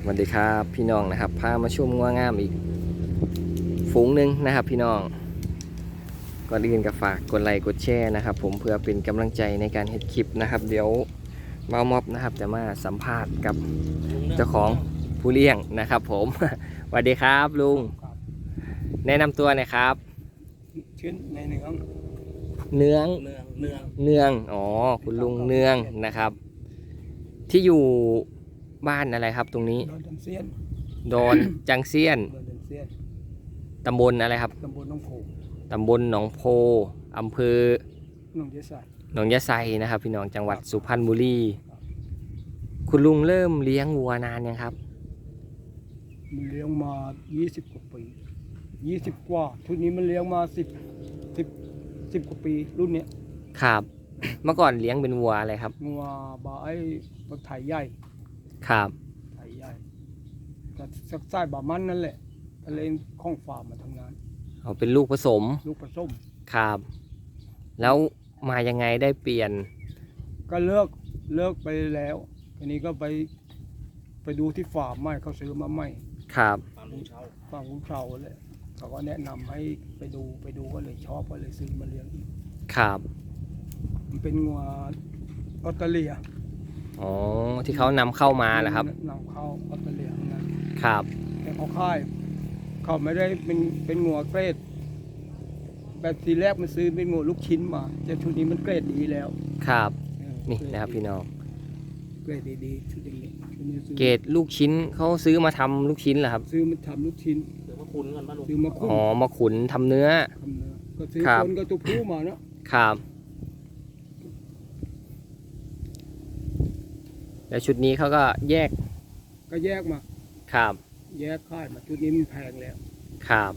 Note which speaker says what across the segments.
Speaker 1: วัสดีครับพี่น้องนะครับพามาชมงัวงามอีกฝูงหนึ่งนะครับพี่น้องก่อนอื่นก็ฝากกดไลค์กดแชร์นะครับผมเพื่อเป็นกำลังใจในการเฮ็ดคลิปนะครับเดี๋ยวเมาม็อบนะครับจะมาสัมภาษณ์กับเจ้าของผู้เลี้ยงนะครับผม สวัสดีครับลุงแนะนำตัวหน่อยครับ
Speaker 2: ชื่อในเนือง
Speaker 1: เนือง
Speaker 2: เนือง
Speaker 1: อ๋อคุณลุงเนืองนะครับที่อยู่บ้านอะไรครับตรงนี้
Speaker 2: ดอนจันเซียน
Speaker 1: ดอนจังเซียน
Speaker 2: ดอนจันเซียน
Speaker 1: ตำบลอะไรครับ
Speaker 2: ตำบลหนองโพ
Speaker 1: ตำบลหนองโพอำเภอ
Speaker 2: หนองยะไซ
Speaker 1: หนองยะไซนะครับพี่น้องจังหวัดสุพรรณบุรีคุณลุงเริ่มเลี้ยงวัวนานยังครับ
Speaker 2: มันเลี้ยงมา20 กว่าปี20 กว่าชุดนี้มันเลี้ยงมา10 กว่าปีรุ่นเนี้ย
Speaker 1: ครับเมื่อก่อนเลี้ยงเป็นวัวอะไรครับ
Speaker 2: งัวบาไอ้บักไถใหญ่
Speaker 1: ครับ
Speaker 2: ไถใหญ่ก็สักไส้บามันนั่นแหละทะเลข้องฟาร์มมาทำงาน
Speaker 1: เอาเป็นลูกผสม
Speaker 2: ลูกผสม
Speaker 1: ครับแล้วมายังไงได้เปลี่ยน
Speaker 2: ก็เลิกไปแล้วทีนี้ก็ไปดูที่ฟาร์มใหม่เขาซื้อมาใหม่
Speaker 1: ครับ
Speaker 2: ฟาร์มลุงเชาเลยเขาก็แนะนำให้ไปดูก็เลยชอบก็เลยซื้อมาเลี้ยงอีก
Speaker 1: ครับ
Speaker 2: มันเป็นงัวออสเตรเลีย
Speaker 1: อ๋อที่เขานำเข้ามาแหละครับ
Speaker 2: นำเข้าออสเตรเลียทั้งนั้น
Speaker 1: ครับ
Speaker 2: แต่เขาไม่ได้เป็นงัวเกรดแบบทีแรกมันซื้อเป็นงัวลูกชิ้นมาแต่ชุดนี้มันเกรดดีแล้ว
Speaker 1: ครับนี่นะครับพี่น้อง
Speaker 2: เกรดดีๆชุดนี้
Speaker 1: เกรดลูกชิ้นเขาซื้อมาทำลูกชิ้นเหรอครับ
Speaker 2: ซื้อมาทำลูกชิ้นซื้อมาขุน
Speaker 1: อ๋อมาขุนทำเนื้อ
Speaker 2: ก็ซื้อคนก็ตัวผู้มาเนาะ
Speaker 1: ครับแล้วชุดนี้เขาก็แยก
Speaker 2: มา
Speaker 1: ครับ
Speaker 2: แยกค่ายมาชุดนี้มันแพงแล้ว
Speaker 1: ครับ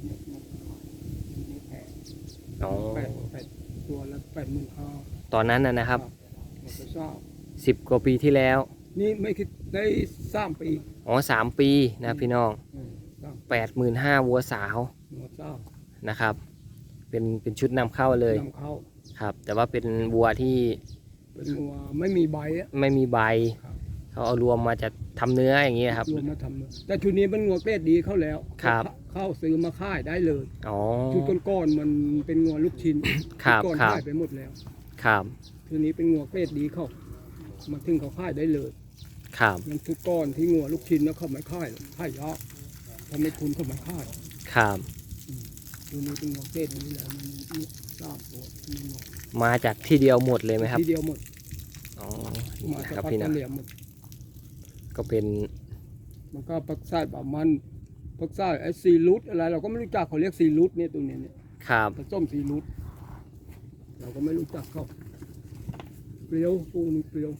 Speaker 2: แพง
Speaker 1: อ๋อ
Speaker 2: 8ตัวละ85,000
Speaker 1: ตอนนั้นนะครับ10 กว่าปีที่แล้ว
Speaker 2: นี่ไม่คิดได้3 ปี
Speaker 1: อ๋อ3 ปีนะพี่น้อง85,000วัวสาวนะครับเป็นชุดนำเข้าเลยครับแต่ว่าเป็นวัวที่
Speaker 2: เป็นงัวไม่มีใบ
Speaker 1: เขาเอารวมมาจะทำเนื้ออย่างนี้ครับ
Speaker 2: รวมมาทำเนื้อแต่ชุดนี้เป็นงัวเกรดดีเข้าแล้วเข้าซื้อมาค่ายได้เลยชุดก้อนมันเป็นงัวลูกชิ้นก้อนค่ายไปหมดแล้ว
Speaker 1: ครับ
Speaker 2: ชุดนี้เป็นงัวเกรดดีเข้ามาถึงเขาค่ายได้เลย
Speaker 1: ครับ
Speaker 2: ยังชุดก้อนที่งัวลูกชิ้นแล้วเขาไม่ค่ายยากทำให้คุณเขาไม่ค่าย
Speaker 1: ครับ
Speaker 2: ชุดนี้เป็นงัวเกรดดีแล้วมันทราบตัว
Speaker 1: มาจากที่เดียวหมดเลยไหมครับ
Speaker 2: ที่เดียวหมด
Speaker 1: อ๋อ
Speaker 2: มาจากปัตตานีหมด
Speaker 1: ก็เป็น
Speaker 2: มันก็ปักไส้ปลามันปักไส้ไอ้ซีรูทอะไรเราก็ไม่รู้จักเขาเรียกซีรูทเนี่ยตัวนี้เนี่ย
Speaker 1: ครับ
Speaker 2: ผสมซีรูทเราก็ไม่รู้จักเขาเปรี้ยวปูนี่เปรี้ยว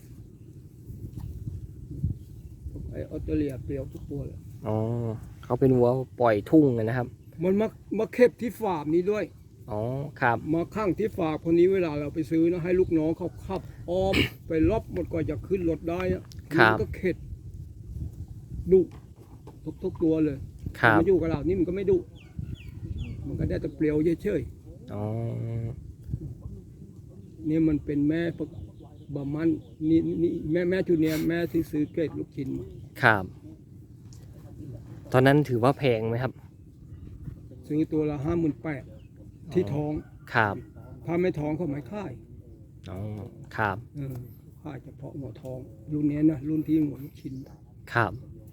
Speaker 2: ไอ้ออสเตรเลียเปรี้ยวทุกตัวเลย
Speaker 1: อ๋อเขาเป็นวัวปล่อยทุ่งนะครับ
Speaker 2: มันมาเก็บที่ฟาร์มนี้ด้วย
Speaker 1: อ๋อครับ
Speaker 2: มาข้างที่ฝากคนนี้เวลาเราไปซื้อนะให้ลูกน้องเขาขับอ้อมไปรอบหมดก่อนจะขึ้นรถได้มันก็เข็ดดุทุกตัวเลยมาอยู่กับเรานี่มันก็ไม่ดุมันก็ได้แต่เปลี่ยวเฉย
Speaker 1: ๆอ๋อ
Speaker 2: นี่มันเป็นแม่บะมันนี่แม่ชุดเนี้ยแม่ที่ซื้อเกรดลูกชิ้น
Speaker 1: ครับตอนนั้นถือว่าแพงไหมครับ
Speaker 2: ซื้อตัวละ58,000ที่ท้อง
Speaker 1: ครับ
Speaker 2: ถ้าไม่ท้องเขาไม่ค่าย
Speaker 1: อ๋อครับ
Speaker 2: ค่ายเฉพาะหัวท้องรุ่นนี้นะรุ่นที่หัวลูกชิ้น
Speaker 1: ครับ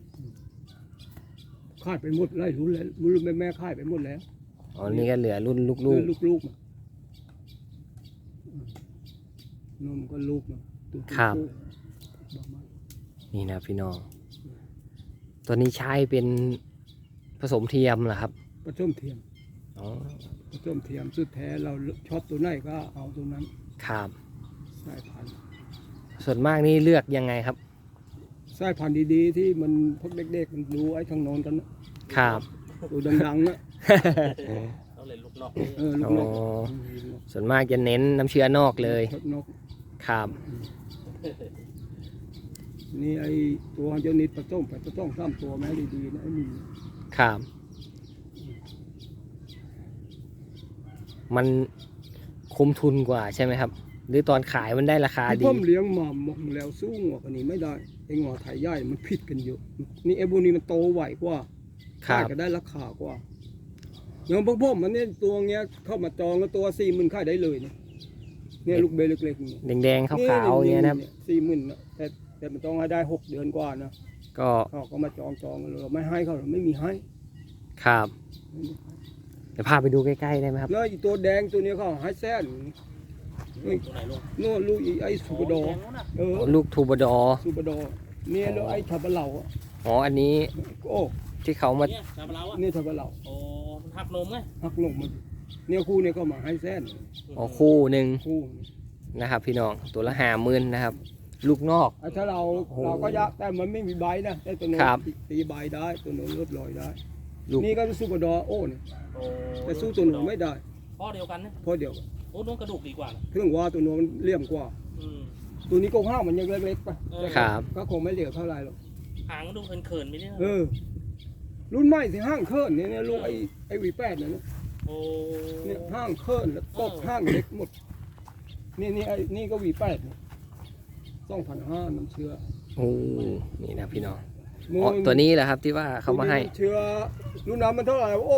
Speaker 2: ค่ายไปหมดไล่รุ่นแล้วรุ่นแม่ค่ายไปหมดแล้ว
Speaker 1: อ๋อนี่ก็เหลือรุ่นลูก
Speaker 2: นมก็ลูก
Speaker 1: ครับนี่นะพี่น้องตัวนี้ใช้เป็นผสมเทียมเหรอครับ
Speaker 2: ผสมเทียม
Speaker 1: อ๋อ
Speaker 2: ผสมเทียมสุดแท้เราชอบตัวไหนก็เอาตัวนั้น
Speaker 1: ครับ
Speaker 2: สายพันธุ์
Speaker 1: ส่วนมากนี่เลือกยังไงครับ
Speaker 2: สายพันธุ์ดีๆที่มันพวกเด็กๆมันรู้ไอ้ทางโน้นกัน
Speaker 1: นะครับ
Speaker 2: ตัวดังๆนะ
Speaker 3: ต้องเล่นลูกนอก
Speaker 2: ลูกนก
Speaker 1: ส่วนมากจะเน้นน้ำเชื้อนอกเลยครับ
Speaker 2: นี่ไอ้ตัวเจ้านิดผสมไปต้อง3 ตัวแม่ดีๆนะไอ้นี่
Speaker 1: ครับมันคุ้มทุนกว่าใช่ไหมครับหรือตอนขายมันได้ราคา
Speaker 2: ที่
Speaker 1: ดี
Speaker 2: ผมเลี้ยงมาหมกแล้วสู้งัวกันนี้ไม่ได้ไอ้งัวไทยใหญ่มันผิดกันเยอะนี่ไอ้บุนี้มันโตไวกว่า
Speaker 1: ครั
Speaker 2: ขาย
Speaker 1: บ
Speaker 2: ก็ได้ราคากว่าอย่างพวกผมมันเนี่ยตัวเงี้ยเข้ามาจองแล้วตัว40,000ขายได้เลยเนี่ยลูกเบลเล็กๆเนี่ย
Speaker 1: แดงๆขาวๆอย่างเงี้ยนะครับ
Speaker 2: 40,000นะแต่มันต้องให้ได้6 เดือนกว่านะ
Speaker 1: ก็
Speaker 2: เขาก็มาจองกันเลยเราไม่ให้เขาเราไม่มีให้
Speaker 1: ครับเดี๋ยวพาไปดูใกล้ๆได้ไหมครับ
Speaker 2: แล้วอีตัวแดงตัวนี้เขาให้แสนนี่
Speaker 3: ตัวไหนลูก
Speaker 2: โน่นลูกไอ้สุปดอ
Speaker 3: แดงนู้นน่ะ
Speaker 1: ลูกทูบดอ
Speaker 2: สุปดอเนี่ยแล้วไอ้ทับะเหล่าอะ
Speaker 1: อ๋ออันนี้
Speaker 2: โอ้
Speaker 1: ที่เขามา
Speaker 3: เนี่ยชาบะเราอ่ะ
Speaker 2: เนี่ยทับะเหล่า
Speaker 3: โอ้มันหักนมไง
Speaker 2: หักนมมันเนี่ยคู่เนี่ยก็มาให้แสน
Speaker 1: อ๋อคู่หนึ่ง
Speaker 2: คู่
Speaker 1: นะครับ พี่น้องตัวละ50,000นะครับ ลูกนอก
Speaker 2: ถ้าเรา
Speaker 1: โอ้โห
Speaker 2: เราก็ยากแต่มันไม่มีใบนะแต่ตัวโน้น
Speaker 1: ครับ
Speaker 2: ตีใบได้ตัวโน้นลดลอยได้
Speaker 1: ลูก
Speaker 2: นี่ก็สุปดอโอ้เนี่ย
Speaker 3: โอ้
Speaker 2: แต่สู้ตัวโน้นไม่ได้
Speaker 3: พ่อเดียวกันนะ
Speaker 2: เพราะเดียว
Speaker 3: โอ้น้องกระดูกดีกว่านะ
Speaker 2: เครื่องว่าตัวโน้นมันเลี่ยมกว่า
Speaker 3: อืม
Speaker 2: ตัวนี้โกงห้าวมันยังเล็กๆไป
Speaker 1: ครับ
Speaker 2: ก็คงไม่เหลือเท่าไหร่หรอก
Speaker 3: หางมันดูเขินๆไปเนี่ย
Speaker 2: รุ่นใหม่ที่ห้างเคลื่อนเนี่ยลูกไอ้V8เนี่ยนะ
Speaker 3: โอ้
Speaker 2: เนี่ยห้างเคลื่อนแล้วตกห้างเล็กหมดนี่ไอ้นี่ก็V8เนี่ย2,500น้ำเชื้อ
Speaker 1: โอ้นี่นะพี่น้องอ๋อตัวนี้แหละครับที่ว่าเขามาให้
Speaker 2: เชื้อรุ่นนั้นมันเท่าไหร่วะโอ้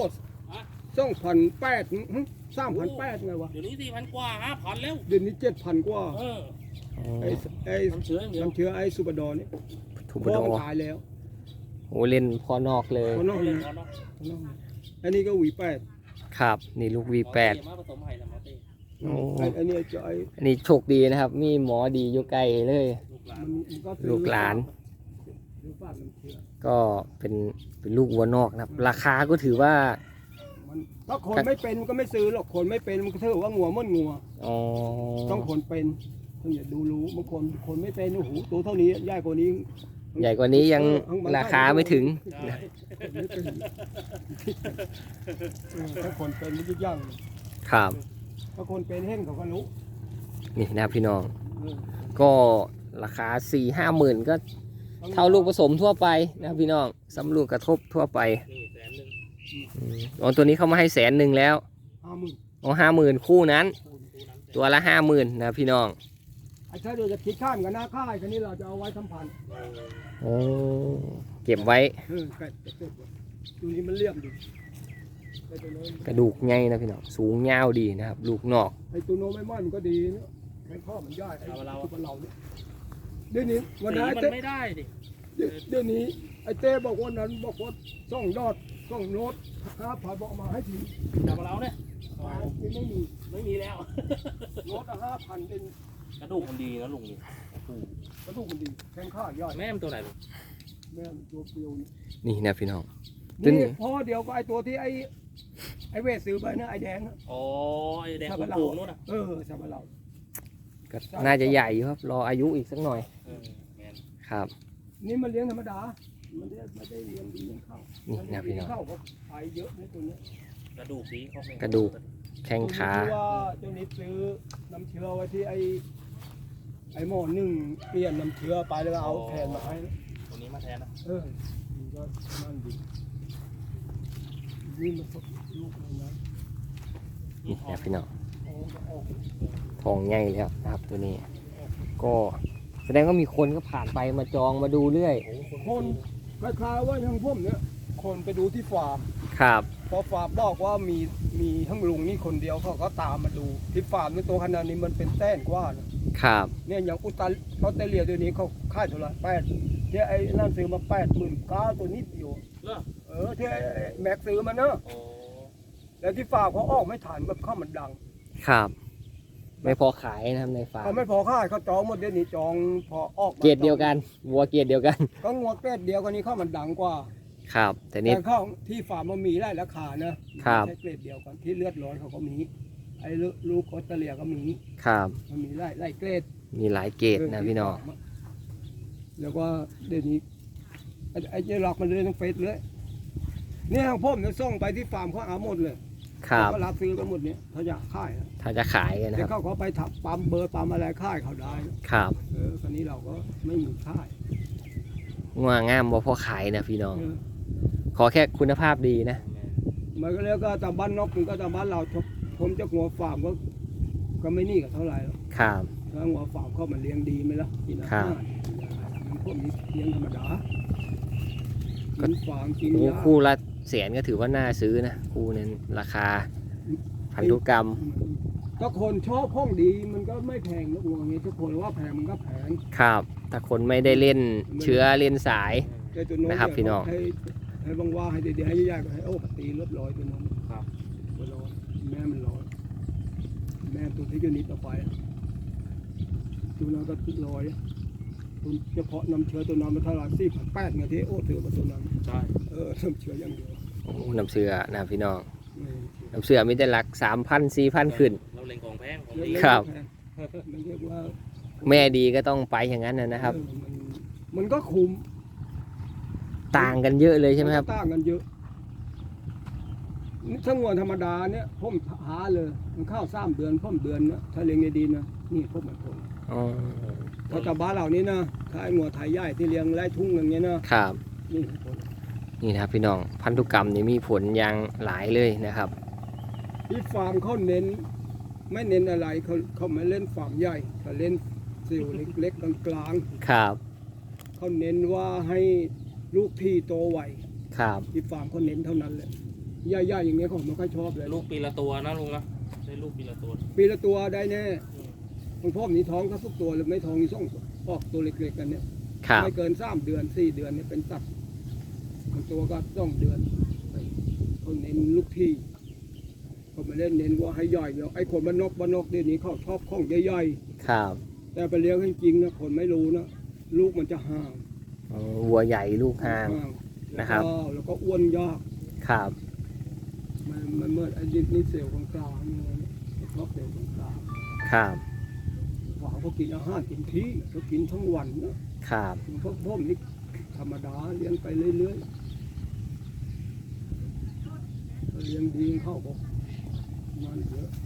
Speaker 2: 2,800 3,800ไงวะ
Speaker 3: เดี๋ยวนี้4,000กว่า5,000แล้ว
Speaker 2: เดือนนี้7,000กว่า
Speaker 3: เออ
Speaker 2: ไอ้
Speaker 3: น้ำเชื้ออย่างเดียว
Speaker 2: น้ำเชื้อไอ้สุปดอนี่
Speaker 1: ทูบ
Speaker 2: เพราะ
Speaker 1: ดอ
Speaker 2: มันตายแล้ว
Speaker 1: โอ้เล่นพอนอกเลย
Speaker 2: เพราะนอก
Speaker 3: เล่
Speaker 2: นี้
Speaker 3: นเนาะ
Speaker 2: อันนี้ก็V8
Speaker 1: ครับ นี่ลูก V8
Speaker 3: มาผสมไห่ละหมอเต้
Speaker 1: โอ้
Speaker 2: ไอ้นี่จะไอ้
Speaker 1: อันนี้โชคดีนะครับ มีหมอดีอยู่ใกล้เลย
Speaker 3: ลูกหลาน
Speaker 2: มันก็ซื้อ
Speaker 1: ลูกหลาน
Speaker 2: ซื้อฝากน้ำเชื้อ
Speaker 1: ก็เป็นลูกวัวนอกนะครับ ราคาก็ถือว่า
Speaker 2: มันถ้าคนไม่เป็นก็ไม่ซื้อหรอกคนไม่เป็นมันก็ถือว่างัวมันงัว
Speaker 1: อ๋อ
Speaker 2: ต้องคนเป็นต้องอย่าดูรู้บางคนไม่เป็นโอ้โหตัวเท่านี้ใหญ่กว่านี้
Speaker 1: ใหญ่กว่านี้ยังราคาไม่ถึง
Speaker 3: ใช่
Speaker 2: ไม่เป็นถ้าคนเป็นมันจะยั่ง
Speaker 1: ครับ
Speaker 2: ถ้าคนเป็นเห็นเขาก็รู้
Speaker 1: นี่นะครับพี่น้อง
Speaker 2: เออ
Speaker 1: ก็ราคา 4-5 หมื่นก็เท่าลูกผสมทั่วไปนะครับพี่น้องสำลูกกระทบทั่วไป
Speaker 3: นี่100,000
Speaker 1: อ๋อตัวนี้เขามาให้100,000แล้ว
Speaker 2: 50,000
Speaker 1: อ๋อ50,000คู่นั้น
Speaker 3: คูณตัวนั้น
Speaker 1: ตัวละ 50,000นะครับพี่น้อง
Speaker 2: ไอ้ถ้าเดี๋ยวจะคิดข้ามกันหน้าค่ายคันนี้เราจะเอาไว้ทำพันธุ์
Speaker 1: โอ้เก็บไว้
Speaker 2: ไก่จะเก็บไว้ตัวนี้มันเลี่ยมดีไอ้ตัวโน้น
Speaker 1: กระดูกใหญ่นะพี่น้องสูงยาวดีนะครับ ลูกนอก
Speaker 2: ไอ้ตัวโน้นไม่ไหม้มันก็ดีเนาะไอ้ข้อมันย่อยไอ้ตัวเราเนี่ยเดี๋ยวนี้วัน
Speaker 3: สี
Speaker 2: นั้น
Speaker 3: มัน
Speaker 2: เต้
Speaker 3: ไม่ได้ดิ
Speaker 2: เดี๋ยวนี้ไอ้เต้บอกว่านั้นบอกว่าส่องยอดส่องโน้ต5,000บอกมาให้ที
Speaker 3: ชาบะเราเนี่ย
Speaker 2: ที่ไม่มี
Speaker 3: ไม่มีแล้ว
Speaker 2: โน้ต5,000เป็น
Speaker 3: กระดูกมันดีนะลุงนี่โอ้โห
Speaker 2: กระดูกมันดีแข้งข้ายอด
Speaker 3: แม่มันตัวไหนลูก
Speaker 2: แม่ตัวเปรียวนี่
Speaker 1: นี่นะพี่น้อง ตัวนี้
Speaker 2: นี่พอเดียวก็ไอ้ตัวที่ไอ้เวสซื้อไปนะไอ้แดงนะ
Speaker 3: อ๋อไอ้แดง
Speaker 2: ชา
Speaker 3: โข
Speaker 2: บะเรา
Speaker 3: งๆนู่นน่ะ
Speaker 2: ชาบะเรา
Speaker 1: ก็น่าจะใหญ่อยู่ครับ รออายุอีกสักหน่อย
Speaker 3: เออแม่น
Speaker 1: ครับ
Speaker 2: นี่มันเลี้ยงธรรมดามันไม่ได้เลี้ยงดีเลี้ยงข้าว
Speaker 1: นี่นะพี่น้อง
Speaker 2: ข้าวก็ขายเยอะในตัวเนี้ย
Speaker 3: กระดูกดีเขาไม่
Speaker 1: กระดูก แข้งขา
Speaker 2: ตัวนี้ว่าเจ้านิดซื้อน้ำเชื้อไว้ที่ไอ้หม้อนึ่งเปลี่ยนน้ำเชื้อไปแล้วก็เอาแทนมาให้
Speaker 3: ตัวนี้มาแทนนะ
Speaker 2: มันก็นั่นดีนี่มันสดลูกเลยนะ
Speaker 1: นี่นะพี่น้อง
Speaker 2: โอ้ก็ออก
Speaker 1: ทองใหญ่แล้วนะครับ ตัวนี้ ก็แสดงว่ามีคนก็ผ่านไปมาจองมาดูเรื่อย
Speaker 2: คนคล้ายๆว่าทางพุ่มเนี่ยคนไปดูที่ฟาร์ม
Speaker 1: ครับ
Speaker 2: พอฟาร์มบอกว่ามีทั้งลุงนี่คนเดียวเขาก็ตามมาดูที่ฟาร์มในตัวขนาดนี้มันเป็นแต้นกว่านะครับ เนี่ยอย่างออสเตรเลียตัวนี้เขาค่ายเท่าไหร่8ที่ไอ้นั่นซื้อมา89,000ตัวนิดเดียว
Speaker 3: เหรอ
Speaker 2: ที่ไอ้แม็กซื้อมาเนอะ
Speaker 3: โอ้
Speaker 2: แล้วที่ฟาร์มเขาออกไม่ทันแบบข้าวมันดัง
Speaker 1: ครับ ไม่พอขายนะครับในฟาร์
Speaker 2: เขา
Speaker 1: ม
Speaker 2: ไม่พอค่ายเขาจองหมดเดี๋ยวนี้จองพอออกมา
Speaker 1: เกรดเดียวกัน วัวเกรดเดียวกัน
Speaker 2: ก็งัวเกรดเดียวกันนี้ข้าวมันดังกว่า
Speaker 1: ครับ แต่นี่
Speaker 2: แต่ข้าวที่ฟาร์มมันมีได้ราคานะครับ ไม่ใช่เกรดเดียวกันที่เลือดร้อนเขาก็มีไอ้ลูกออสเตรเลียก็มี
Speaker 1: ครับ
Speaker 2: มันมีไล่เกรด
Speaker 1: มีหลายเกรดนะพี่น้อง
Speaker 2: แล้วก็เดี๋ยวนี้ไอ้เจล็อกมันเลยต้องเฟซเลยเนี่ยทางพ่อมเนี่ยส่งไปที่ฟาร์มเขาเอาหมดเลย
Speaker 1: ครับ
Speaker 2: เขารับซื้อกันหมดเนี่ยเขาอยากขายนะ
Speaker 1: ถ้าจะขายกันนะ
Speaker 2: แต่
Speaker 1: ครับ
Speaker 2: เขาไปทับปั๊มเบอร์ปั๊มอะไรค่ายเขาได้นะครับ คราวนี้เราก็ไม่มีค่าย
Speaker 1: งัวงามบ่พอขายนะพี่น้อง
Speaker 2: เออ
Speaker 1: ขอแค่คุณภาพดีนะ
Speaker 2: มันก็แล้วก็ตามบ้านนอกมันก็ตามบ้านเราผมเจ้าหัวฟาร์มก็ไม่นี่กับเท่าไหร่หรอก
Speaker 1: ครับ
Speaker 2: ถ้าว่าฝากเข้ามาเลี้ยงดีไหมล่ะกินอาหารมันพวกนี้เลี้ยงธรรมดากินฟางกิน
Speaker 1: โอ้
Speaker 2: หญ้า
Speaker 1: คู่ละแสนก็ถือว่าน่าซื้อนะคู่นั้นราคาพันธุกรรม
Speaker 2: ถ้าคนชอบห้องดีมันก็ไม่แพงนะวัวเงี้ยถ้าคนว่าแพงมันก็แพง
Speaker 1: ครับถ้าคนไม่ได้เล่นเชื้อเล่นสาย
Speaker 2: แต่ตัวโน้น
Speaker 1: นะครับพี่น้อง
Speaker 2: ให้บางว่าให้เดี๋ยวให้ยากๆให้โอ้ปตีลดร้อยตัวโน้น
Speaker 3: ครับ
Speaker 2: ตัวร้อยแม่มันร้อยแม่ตัวที่อยู่นี้ต่อไปตัวนั้นก็ร้อยตัวเฉพาะน้ำเชื้อตัวนั้นมันเท่าไหร่4,800ไงที่โอ้ถือมาตัวนั้น
Speaker 3: ใช่
Speaker 2: น้ำเชื้ออย่างเดียว
Speaker 1: โอ้น้ำเสือนะครับพี่น้อง
Speaker 2: ไม่
Speaker 1: น้ำเสือมีแต่หลัก 3,000 4,000 ขึ้น
Speaker 3: เราเล็งของแพงของ
Speaker 2: เย
Speaker 3: ดี
Speaker 2: อะ
Speaker 1: ครับ
Speaker 2: มันเรียกว่า
Speaker 1: แม่ดีก็ต้องไปอย่างนั้นนะครับ
Speaker 2: มันก็คุ้ม
Speaker 1: ต่างกันเยอะเลยใช่ไหมครับ
Speaker 2: นก็ต่างกันเยอะนี่ถ้างวธรรมดาเนี่ยผมหาเลยมันเข้า3 เดือนพ่มเดือนนะถ้าเลี้ยงดีๆนะนี่พวกมันผล
Speaker 1: อ๋อ
Speaker 2: ถ้ากับบ้านเหล่านี้นะถ้าไอ้งัวไทยใหญ่ที่เลี้ยงไร่ทุ่งอย่างเงี้ยนะครับ นี่ผล
Speaker 1: นี่นะครับพี่น้องพันธุกรรมนี่มีผลอย่างหลายเลยนะครับ
Speaker 2: ที่ฟาร์มเขาเน้น ไม่เน้นอะไรเขาไม่เล่นฟาร์มใหญ่เขาเล่นสิวเล็กๆกลาง
Speaker 1: ครับ
Speaker 2: ๆเขาเน้นว่าให้ลูกที่โตไว
Speaker 1: ครับ
Speaker 2: ที่ฟาร์มเขาเน้นเท่านั้นแหละใหญ่ๆอย่างเงี้ยเขาไม่ค่อยชอบเลย
Speaker 3: ลูกปีละตัวนะลุงนะได้ลูกปีละตัว
Speaker 2: ปีละตัวได้แน่บางพ่อมีท้องก็ทุกตัวหรือไม่ท้องมีส่งออกตัวเล็กๆกันเนี่ย
Speaker 1: ครับ
Speaker 2: ไม่เกิน3 เดือน 4 เดือนเนี่ยเป็นตัดบางตัวก็2 เดือนเขาเน้นลูกที่เขาไม่ได้เน้นว่าให้ใหญ่เนาะไอ้คนบ้านนอกเดี๋ยวนี้เขาชอบของใหญ่
Speaker 1: ครับ
Speaker 2: ๆแต่ไปเลี้ยงให้จริงนะคนไม่รู้นะลูกมันจะห่าง
Speaker 1: อ๋อวัวใหญ่ลูกห่าง นะครับ
Speaker 2: แล้วก็อ้วนยาก
Speaker 1: ครับ
Speaker 2: มันเมื่อไอ้นี่เซลล์กลางๆเนี่ยชอบเซลล์กลาง
Speaker 1: ครับ
Speaker 2: ๆว่าเขากินอาหารกินที่เขากินทั้งวันนะครับ พวกผมนี่ธรรมดาเลี้ยงไปเรื่อยๆก็เลี้ยงดีเข้าบอกมันเยอะ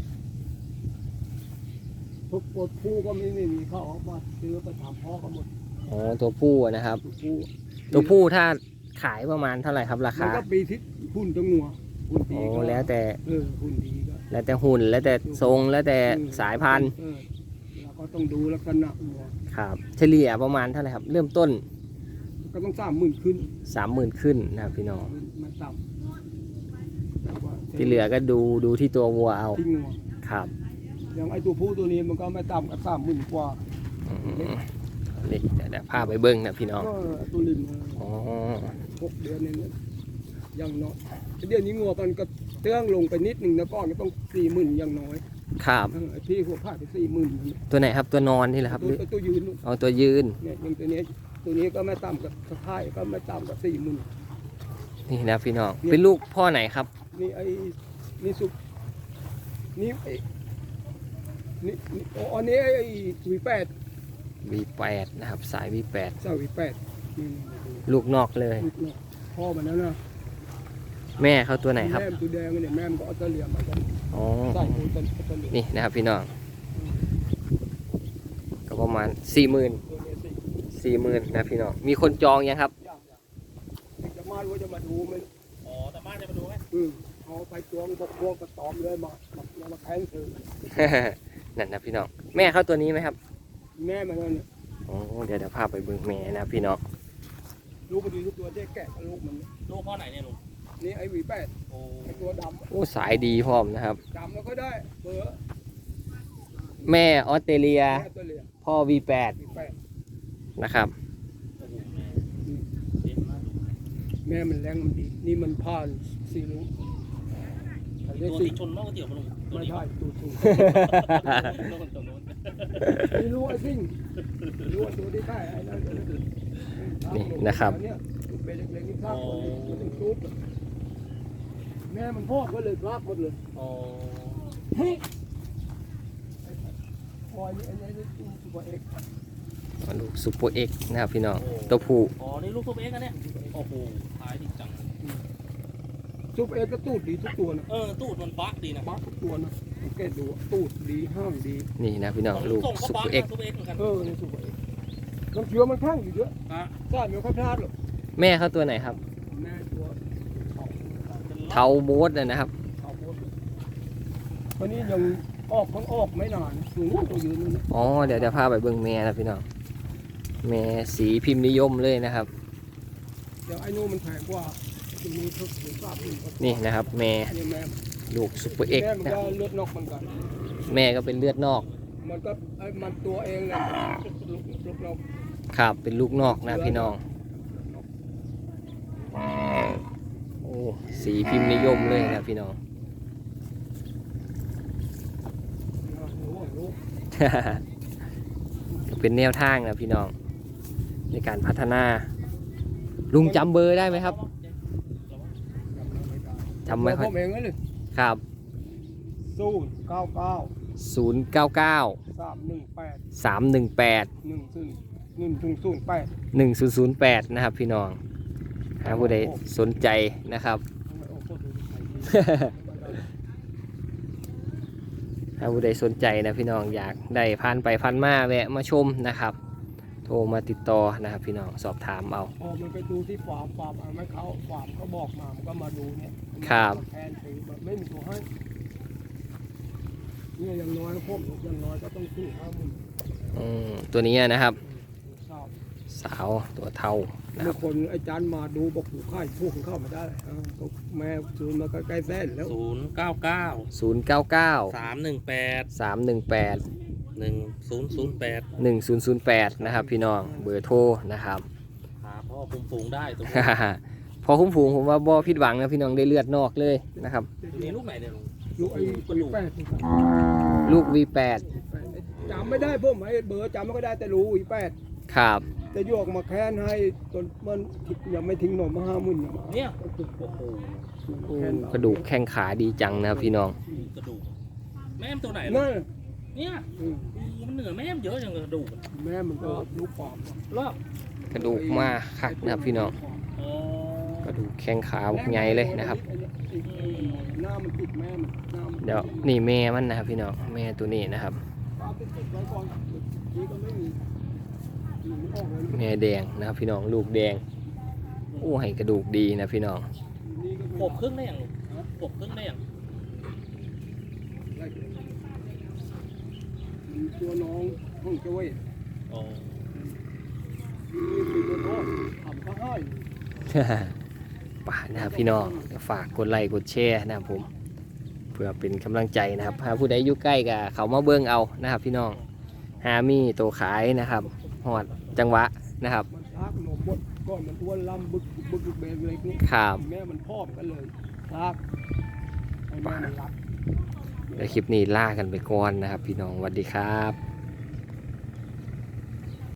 Speaker 2: พวกปวดผู้ก็ไม่มีเข้าออกมาซื้อไปถามพ่อก็หมด
Speaker 1: อ๋อตัวผู้นะครับ
Speaker 2: ตัวผู้
Speaker 1: ตัวผู้ถ้าขายประมาณเท่าไหร่ครับรา
Speaker 2: มัน
Speaker 1: คา
Speaker 2: ก็ปีที่หุ่นตัวงัวหุ่นดี
Speaker 1: โอ้
Speaker 2: ก็
Speaker 1: แล้วแต่
Speaker 2: หุ่นดีก็
Speaker 1: แล้วแต่หุ่นแล้วแต่ทรงแล้วแต่สายพันธุ์
Speaker 2: เราก็ต้องดูลักษณะงัว
Speaker 1: ครับเฉลี่ยประมาณเท่าไหร่ครับ เริ่มต้น
Speaker 2: ก็ต้อง30,000ขึ้น
Speaker 1: 30,000 ขึ้นนะครับพี่น้อง
Speaker 2: มันต่ำแต่ว่า
Speaker 1: ที่เหลือก็ดูที่ตัววัวเอา
Speaker 2: ที่งัว
Speaker 1: ครับ
Speaker 2: อย่างไอ้ตัวผู้ตัวนี้มันก็ไม่ต่ำกับ30,000 กว่า
Speaker 1: อืมนี่เดี๋ยวพาไปเบิ้งนะพี่น้อง
Speaker 2: ก็ตัวลิม
Speaker 1: อ๋อ
Speaker 2: 6 เดือนเนี่ยอย่างน้อยเดี๋ยวนี้งัวมันก็เตื้องลงไปนิดหนึ่งนะก้อนก็ต้อง40,000อย่างน้อย
Speaker 1: ครับ
Speaker 2: ไอ้พี่หัวผ้าไป40,000
Speaker 1: ตัวไหนครับตัวนอนนี่แหละครับหรือ
Speaker 2: ตัวยืนนู่น
Speaker 1: เอาตัวยืน
Speaker 2: เนี่ยอย่างตัวนี้ก็ไม่ต่ำกับสะพายก็ไม่ต่ำกับ40,000
Speaker 1: นี่นะพี่น้องเป็นลูกพ่อไหนครับ
Speaker 2: นี่ไอ้นี่สุกนี่ไอ้นี่อ๋ออันนี้ไอ้V8
Speaker 1: V8 นะครับสาย V8
Speaker 2: เจ้าV8นี่
Speaker 1: ลูกนอกเลย
Speaker 2: ลูกนกพ่อมันแล้วนะ
Speaker 1: แม่เขาตัวไหนครับ
Speaker 2: แม่มันตัวแดงเนี่ยแม่มันก็ออสเตรเลียมากัน
Speaker 1: อ๋อ
Speaker 2: ใส่ตัวออสเตรเลีย
Speaker 1: นี่นะครับพี่น้องก็ประมาณ 40,000
Speaker 2: ตัวนี้สิ
Speaker 1: 40,000นะพี่น้องมีคนจองยังครับ
Speaker 2: ยากจะมาดูจะมาดูมัน
Speaker 3: อ๋อแต่บ้านจะมาดูไหม
Speaker 2: เอาไปตวงบกพวกกระตอมเลยมาแข่งถือ
Speaker 1: นั่นนะพี่น้องแม่เขาตัวนี้ไหมครับ
Speaker 2: แม่มันนั่นเนี่ย
Speaker 1: อ๋อเดี๋ยวพาไปเบิ่งแม่นะพี่น้อง
Speaker 2: ลูกมันดีทุกตัวที่แกะกับลูกมัน
Speaker 3: ลูกพ่อไหนเนี่ยลุง
Speaker 2: นี่ไอ้V8
Speaker 3: โอ้
Speaker 2: ไอ้ตัวด
Speaker 1: โอ้สายดีพร้อมนะครับ
Speaker 2: ำดำแล้วก็ได้เบอร์
Speaker 1: แม่ออสเตรเลีย
Speaker 2: แม่ตัวเหลีย
Speaker 1: พ่อ V8
Speaker 2: V8
Speaker 1: นะครับ
Speaker 3: โอ้โหแม่เด็ดมาก
Speaker 2: แม่มันแรงมันดี นี่มันผ่านซีรู้เขาเรียก
Speaker 3: ตัว
Speaker 2: ซี
Speaker 3: ที่ชนมากกว่าเตี๋ยวมาลุงตัว
Speaker 2: ไม่
Speaker 3: นี้
Speaker 2: ใช่ตูตู
Speaker 3: โน่นตัวโน้น
Speaker 2: นี่รู้ไอ้ซิ่งรู้ไอ้ตัวที่ใต้ไอ้นั่น
Speaker 1: นี่นะครับ
Speaker 2: เนี่ยเป็นเล็กๆนี่ข้างคนนี้มันถึงซุปแม่มันพ่อก็เลยกราบหมดเลย
Speaker 3: อ๋อ
Speaker 2: พอยนี่อันนี้ตัวเอก
Speaker 1: ลูกซูเปอร์เอ็กนะครับพี่น้องตัวผู้
Speaker 3: อ๋อนี่ลูกซุปเอ็กซ์อันเนี่ยโอ้โหขายดีจัง
Speaker 2: ซุปเอกก็ตูดดีทุกตัวนะ
Speaker 3: ตูดมันบักดีนะ
Speaker 2: บักทุกตัวนะสังเกตดูตูดดีห้างดี
Speaker 1: นี่นะพี่น้องลูก
Speaker 3: ส่งก็
Speaker 1: ซู
Speaker 3: บั
Speaker 1: เป
Speaker 3: ก
Speaker 1: อร์เอ็ก
Speaker 3: ซุปเอ็กซ์เหมือนกัน
Speaker 2: นี่ซุปเอกน้ำเชื้อมันข้างอยู่เยอะ
Speaker 3: ฮะ
Speaker 2: ใช่ไม่ค่อยพลาดหรอก
Speaker 1: แม่เขาตัวไหนครับ
Speaker 2: แม่ตัวออก
Speaker 1: เทาโบสนะครับ
Speaker 2: เอาหมดวันนี้ยังออกทั้งออกไม่นานสูงตัวยืนนี่
Speaker 1: อ๋อเดี๋ยวจะพาไปเบิ่งแม่นะพี่น้องแม่สีพิมพ์นิยมเลยนะครับ
Speaker 2: เดี๋ยวไอ้นู่นมันแพงกว่าจะมีเพิ่มถึง3,000
Speaker 1: นี่นะครับแม่
Speaker 2: นี่แม่
Speaker 1: ลูกซุปเปอร์เอ็ก
Speaker 2: แม่
Speaker 1: ซ์
Speaker 2: มัน
Speaker 1: นะ
Speaker 2: ก็เลือดนอกเหมือนกัน
Speaker 1: แม่ก็เป็นเลือดนอก
Speaker 2: มันก็ไอ้มันตัวเองแหละลูกนอก
Speaker 1: ครับเป็นลูกนอกนะพี่น้องโอ้สีพิมพ์นิยมเลยนะพี่น้อง ก็เป็นแนวทางนะพี่น้องในการพัฒนา ลุงจำเบอร์ได้ไหมครับจำไม่ค่อย
Speaker 2: ผมเองเลย
Speaker 1: ครับ
Speaker 2: 099
Speaker 1: 099
Speaker 2: 318
Speaker 1: 318
Speaker 2: 1008
Speaker 1: 1008นะครับพี่น้องหาผู้ใดสนใจนะครับ ถ้าผู้ใดสนใจนะพี่น้องอยากได้ผ่านไปผ่านมาแวะมาชมนะครับ โทรมาติดต่อนะครับพี่น้องสอบถามเอา
Speaker 2: พอมันไปดูที่ฟาร์มเอาไม่เขาฟาร์มเขาบอกมามันก็มาดูเนี่ย
Speaker 1: ครับ
Speaker 2: แทนถือแบบไม่มีตัวให้เนี่ยอย่างน้อยพวกอย่างน้อยก็ต้องซื้อ50,000
Speaker 1: ตัวนี้นะครับ
Speaker 2: ทราบ
Speaker 1: สาวตัวเทานะค
Speaker 2: เมื่
Speaker 1: รั
Speaker 2: อบ คนไอ้จันมาดูบอกผูกค่ายพวกเข้ามาได้แม่ซูนมาใกล้แส้นแล้ว
Speaker 3: 099
Speaker 1: 099
Speaker 3: 318
Speaker 1: 318
Speaker 3: 1008
Speaker 1: 1008นะครับพี่น้องเบอร์โทรนะครับ
Speaker 3: หาพ่อคุมฝูงได้ตรงนี้
Speaker 1: พอคุ้มฝูงผมว่าบ่ผิดหวังนะพี่น้องได้เลือดนอกเลยนะครับ
Speaker 3: นี่ลูกไหนเนี่ยลุง
Speaker 2: ลูกไอ้ปีแปด
Speaker 1: ลูก V8
Speaker 2: จำไม่ได้ผมไอ้เบอร์จำไม่ก็ได้แต่รู้อีแปด
Speaker 1: ครับ
Speaker 2: จะโยกมาแค้นให้จนมันยังไม่ทิ้งหน่อมา50,000
Speaker 3: เนี่ยโอ้โห
Speaker 1: กระดูกแข้งขาดีจังนะครับพี่น้อง
Speaker 3: กระดูกแม่มตัวไหนลุง
Speaker 2: นั่น
Speaker 3: เนี่ยมันเหนือแม่มเยอะอย่างกระดูก
Speaker 2: แม่มันก็ลูกปอบ
Speaker 3: รอบ
Speaker 1: กระดูกมาคักนะครับพี่น้อง
Speaker 3: อ๋อก
Speaker 1: ระดูกแข้งขาใหญ่เลยนะครับ
Speaker 2: หน้ามันติดแม่มันหน้ามัน
Speaker 1: เดี๋ยวนี่แม่มันนะครับพี่น้องแม่ตัวนี้นะครับ
Speaker 2: ปาติดไว้ก่อนนี่ก็ไม่มีมันออกเลย
Speaker 1: แม่แดงนะครับพี่น้องลูกแดงโอ้ให้กระดูกดีนะพี่น้อง
Speaker 2: นี่ก็
Speaker 3: ปบครึ่งได้อย่างลุงปบครึ่งได้อย่าง
Speaker 2: มีตัวน้องห้องเจ้าเว้ย
Speaker 3: อ๋อ
Speaker 2: มีตัวน้องทำข้างให้
Speaker 1: ป่านะครับพี่น้องฝากกดไลค์กดแชร์นะครับผมเพื่อเป็นกำลังใจนะครับหาผู้ใดอยู่ใกล้กับเขามาเบิ้งเอานะครับพี่น้องหามีตัวขายนะครับหอดจังหวะนะครับ
Speaker 2: มันทักหนมบดก่อนมันอ้วนลำบึกเบนเล็กนี่
Speaker 1: ครับ
Speaker 2: แม่มันพอบกันเลยทักให้แม่มันรับ
Speaker 1: ในคลิปนี้ล่ากันไปก่อนนะครับพี่น้องสวัสดีครับ